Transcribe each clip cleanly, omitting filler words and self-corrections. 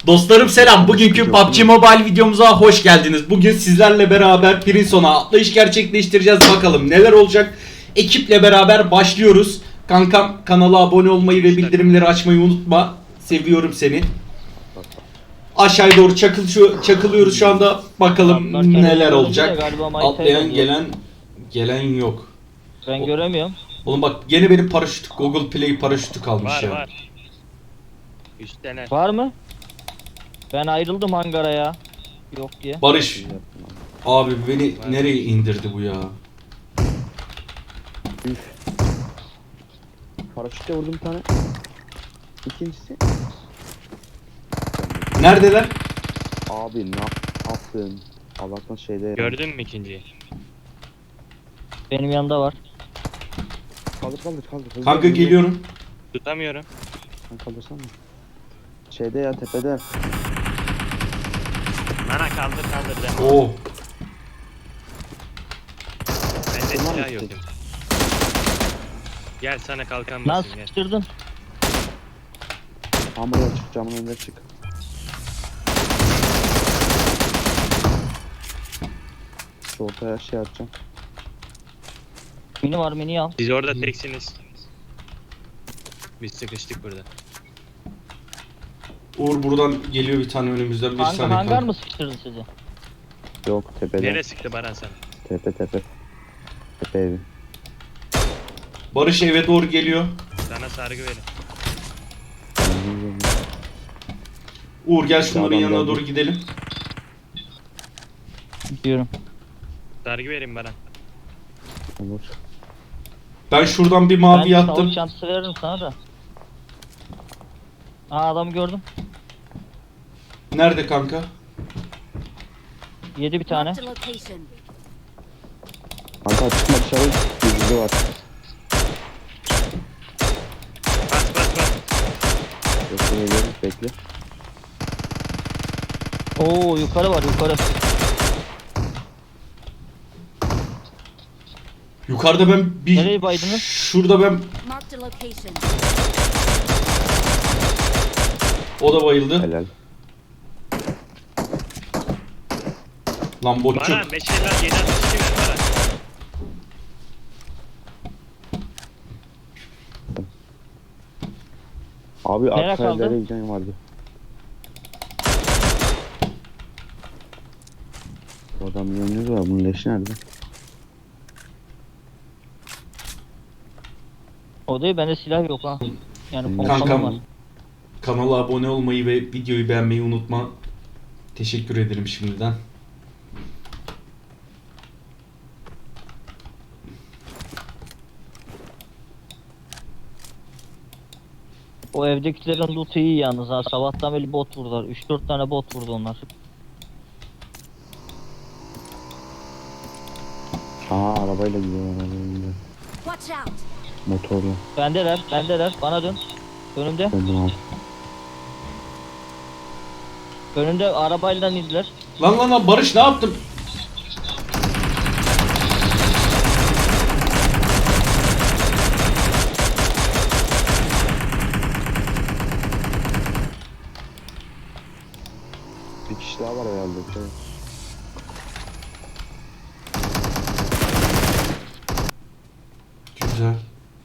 Dostlarım selam. Bugünkü PUBG Mobile videomuza hoş geldiniz. Bugün sizlerle beraber Prinson'a atlayış gerçekleştireceğiz. Bakalım neler olacak. Ekiple beraber başlıyoruz. Kankam, kanala abone olmayı ve bildirimleri açmayı unutma. Seviyorum seni. Aşağıya doğru çakılıyoruz şu anda. Bakalım neler olacak. Atlayan gelen yok. Ben göremiyorum. Oğlum bak gene benim paraşüt, Google Play paraşütü kalmış Var ya. var. Üstlenen. Var mı? Ben ayrıldım hangara ya. Yok diye. Barış. Abi beni nereye indirdi bu ya? Paraşütle vurdum bir tane. İkincisi. Neredeler? Abi ne yaptın? Allah'tan şeyde. Gördün mü ikinciyi? Benim yanında var. Kaldır. Hızlı, Kanka hızlı. Tutamıyorum. Sen kaldırsana. Şeyde ya tepede. Bana kaldır de. Oo. Bende Tamam silah mı? yok. Gel sana kalkan Lan basayım gel. sıkıştırdın. Hamurla çık, camın önüne çık. Şu ortaya şey atacağım. Mini var, mini al. Siz orada teksiniz. Biz sıkıştık burada. Uğur buradan geliyor bir tane önümüzden bir saniye. Hangar kanka. mı sıkıştırdı sizi? Yok tepede. Nereye sıktı Baran sana? Tepe. Tepe evi. Barış eve doğru geliyor. Sana sargı verin. Uğur gel şunların Adam yanına geldi. doğru gidelim. Diyorum. Sargı verin Baran. Olur. Ben şuradan bir mavi Ben yattım. sağlık çantası veririm sana da. Aa adamı gördüm. Nerede kanka? Yedi bir tane. Marked a location. Kanka çıkma dışarı. Yüzücü var. Bas. Bekle. Oo yukarı var yukarı. Yukarıda ben bir... Nereye baydınız? Şurada ben... Marked a location. O da bayıldı. Helal. Lan botçuk. Baran 5 eller 7 62 ver Baran. Abi Nereye arkaya kaldı? nereye gideceğim vardı. Bu adam yanıyor var. Bunun leşi nerede? O değil bende silah yok ha. Yani Kankam. pompalım var. Kanala abone olmayı ve videoyu beğenmeyi unutma. Teşekkür ederim şimdiden. O evdekilerin loot'u iyi yalnız ha. Sabahtan beri bot vurdular. 3-4 tane bot vurdu onlar. Arabayla gidiyor. Watch out. Motorla. Bendeler. Bana dön. Önümde. Döndüm abi. Önümde arabayla indiler. Lan Barış ne yaptın? Bir kişi daha var herhalde. Güzel.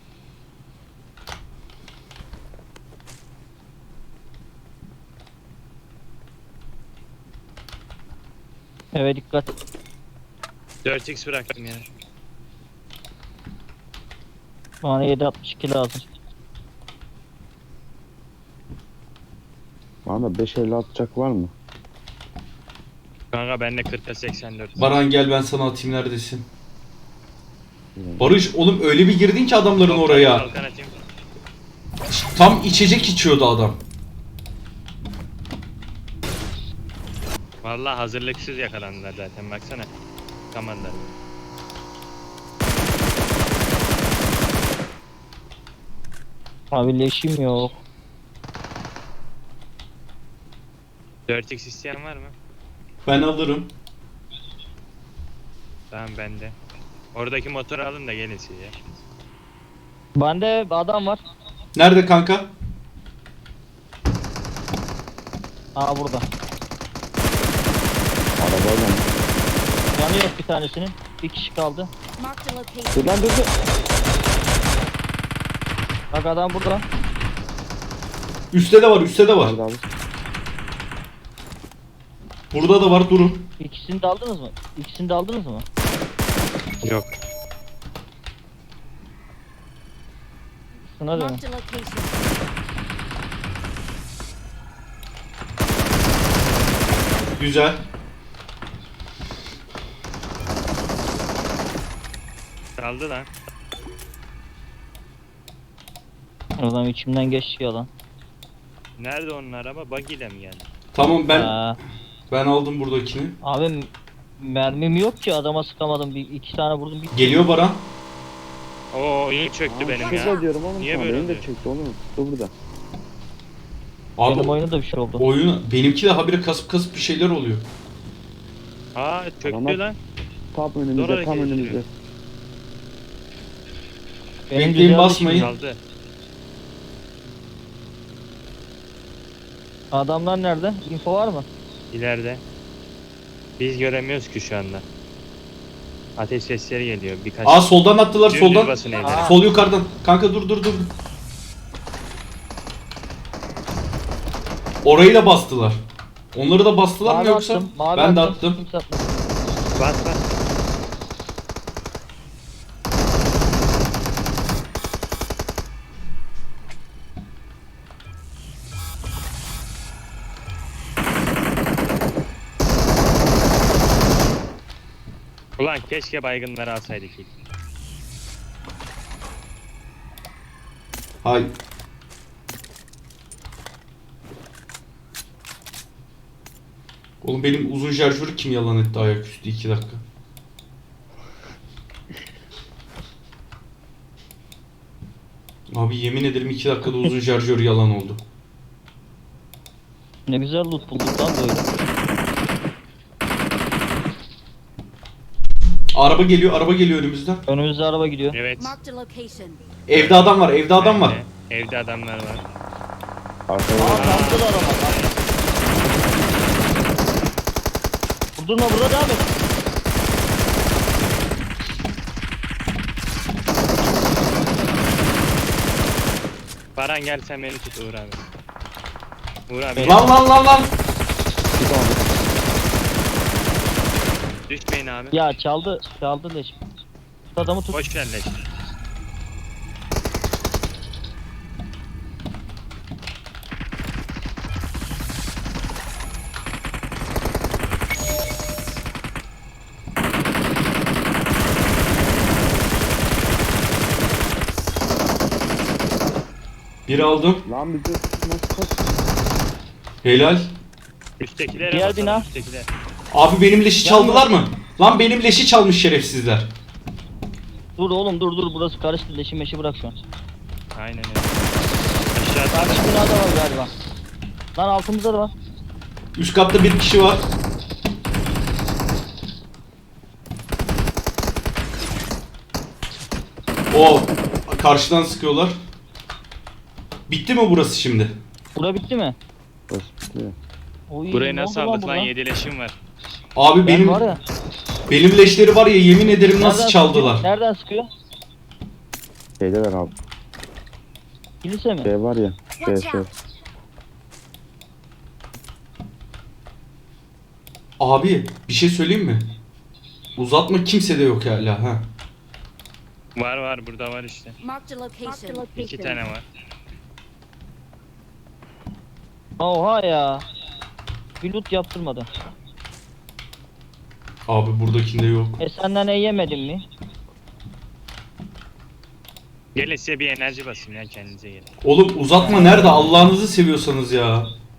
Evet dikkat. 4x bıraktım ya. Bana 7.62 lazım. Bana 5.50 atacak var mı? Kanka bende 40'a 84. Baran gel ben sana atayım neredesin? Barış oğlum öyle bir girdin ki adamların oraya. Kalkan atayım. Tam içecek içiyordu adam. Vallahi hazırlıksız yakalandılar zaten baksana. Kamanlar. Abi leşim yok. 4x isteyen var mı? Ben alırım. Tamam bende. Oradaki motoru alın da gelin siz ya. Bende adam var. Nerede kanka? Aa burada. Arabayla mı? Yanı yok bir tanesinin. Bir kişi kaldı. Marked a location. Dur lan dur dur. Bak adam burada. Üstte de var, üstte de var. Nerede abi? Burada da var, durun. İkisini de aldınız mı? İkisini de aldınız mı? Yok. Şuna dönün. Marked a location. Güzel. Kaldı lan. Adam içimden geçti yalan. Nerede onun araba? Buggy ile mi geldi? Tamam ben aldım buradakini. Abi mermim yok ki adama sıkamadım. İki tane vurdum. Geliyor Baran. Oo oyun çöktü benim ya. Şurada diyorum oğlum Niye sana. böyle Benim de oluyor? çekti oğlum. Dur burada. Abi Benim oyunda da bir şey oldu. oyun benimki de habire kasıp bir şeyler oluyor. Aa çöktü Tamam. lan. Tam önümüzde Doğru tam hareket önümüzde. ediyor. Benim Bekleyin, güzeldi basmayın. şimdi. Kaldı. Adamlar nerede? Info var mı? İleride. Biz göremiyoruz ki şu anda. Ateş sesleri geliyor birkaç. Aa soldan attılar, Düz soldan. basın evlere. Aa. Sol yukarıdan. Kanka dur. Orayı da bastılar. Onları da bastılar mı Mavi yoksa? attım, mavi Ben de attım. Kimse atmadı. Bas bas. Ulan keşke baygınları alsaydık ilk. Hay. Oğlum benim uzun şarjörü kim yalan etti ayaküstü 2 dakika. Abi yemin ederim 2 dakikada uzun şarjör yalan oldu. Ne güzel loot bulduk lan böyle. Araba geliyor önümüzden. Önümüzde araba gidiyor. Evet. Marked a location. Evde adam var, evde adam var. Evde adamlar var. Arkada Aa kalktı da araba. Vurdurma burada devam et. Baran gel sen beni tut Uğur abi. Uğur abi Lan. bir tane. düşmeyin abi. Ya çaldı leş. Tut adamı tut. Boş ver leş. Bir aldım. Lan bizi nasıl kaç? Helal. Üsttekilere Diğer basalım, bina. üsttekiler. Abi benim leşi çaldılar mı? Lan benim leşi çalmış şerefsizler. Dur oğlum dur burası karıştı leşi meşi bırak şu an. Aynen öyle. Aşağıda Karşı binada var galiba. Lan altımızda da var. Üst katta bir kişi var. O karşıdan sıkıyorlar. Bitti mi burası şimdi? Bura bitti mi? Burası bitiyor. Oy, burayı ne nasıl oldu aldık lan? burada? 7 leşim var. Abi Ben benim var ya. benim leşleri var ya yemin ederim nasıl Nereden çaldılar. sıkıyor? Nereden sıkıyor? Şeydeler abi. Kilise mi? Şey var ya. Watch Şey. out. Abi bir şey söyleyeyim mi? Uzatma kimsede yok hala ha. Var burada var işte. Marked a location. 2 tane var. Oha ya. Bir loot yaptırmadı. Abi buradakinde yok. Senden yemedin mi? Gelin size bir enerji basayım ya kendinize gelin. Oğlum uzatma nerede Allah'ınızı seviyorsanız ya.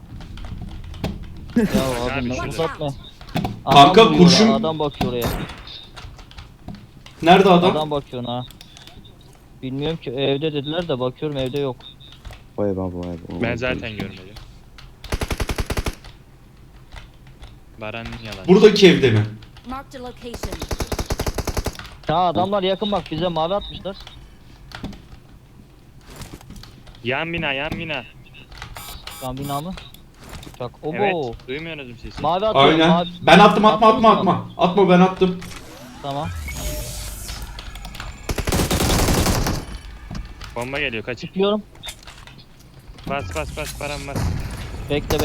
Ya abi, abi ne şurada. uzatma. Kanka, vuruyor kurşun- oraya, adam bakıyor oraya. Nerede adam? Adam bakıyor ha. Bilmiyorum ki evde dediler de bakıyorum evde yok. Vay be vay be. Ben zaten görmedim. Baran'ın yalan. Buradaki evde mi? Marked a location. Ya adamlar yakın bak bize mavi atmışlar. Yan bina yan bina. Şu an bina mı? Çok. Obo. Evet. Duymuyorsunuz mu sesi? Mavi atıyorum. Aynen. Mavi. Ben attım, atma Attın atma mı? atma. Atma, ben attım. Tamam. Bomba geliyor kaç. Çıkıyorum. Bas param bas. Bekle.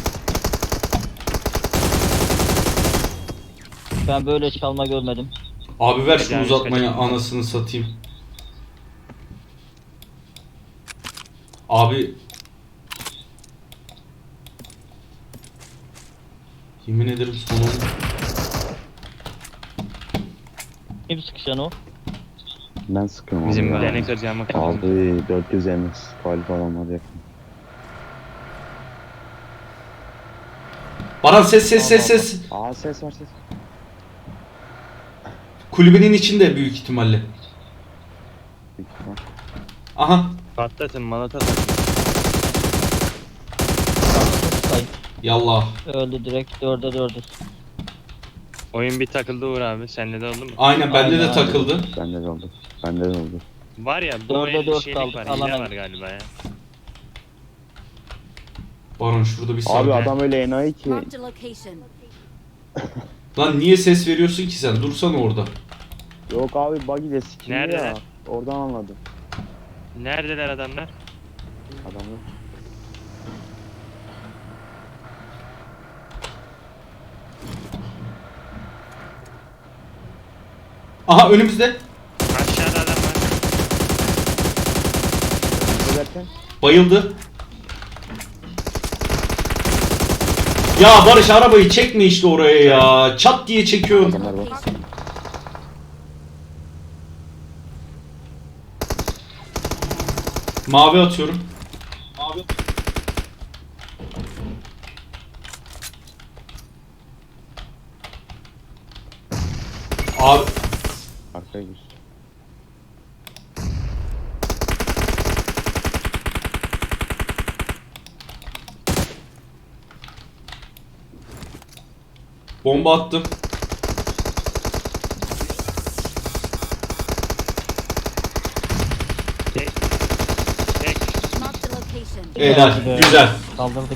Ben böyle çalma görmedim. Abi ver şu Yani uzatmayı, kaçın. anasını satayım. Abi yemin ederim sonunu. Kim sıkışan o? Ben sıkıyorum Bizim abi ya. bileni kıracağımı kırdım. Abi 400 MS. Faal falan var yakın. Baran ses. Aa ses var ses. Kulübenin içinde büyük ihtimalle. Büyük ihtimal. Aha. Patlatın malata. Sayın. Yallah. Öldü direkt 4'e 4'üz. Oyun bir takıldı Uğur abi. Seninle de oldu mu? Aynen, bende de Aynen. takıldı. Bende de oldu. Bende de oldu. Var ya bu Dörde oyun dört şeylik kaldık, var. alana Hile var git. galiba ya. Baran şurada bir Abi saniye. adam öyle enayi ki. Marked a location. Lan niye ses veriyorsun ki sen? Dursana orada. Yok abi buggy de sikildi ya. Neredeler? Oradan anladım. Neredeler adamlar? Adamı. Aha, önümüzde. Aşağıda adam var. Ne derken? Bayıldı. Ya Barış, arabayı çekme işte oraya ya. Çat diye çekiyor. Adamlar var. Location. Mavi atıyorum. Abi Arkaya gir. bomba attım. Tek. Tek. Marked a location. Helal. Be. Güzel. Kaldırdık.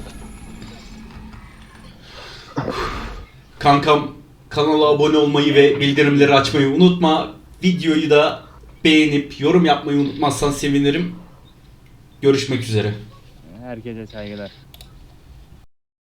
Kankam, kanala abone olmayı ve bildirimleri açmayı unutma. Videoyu da beğenip yorum yapmayı unutmazsan sevinirim. Görüşmek üzere. Herkese saygılar.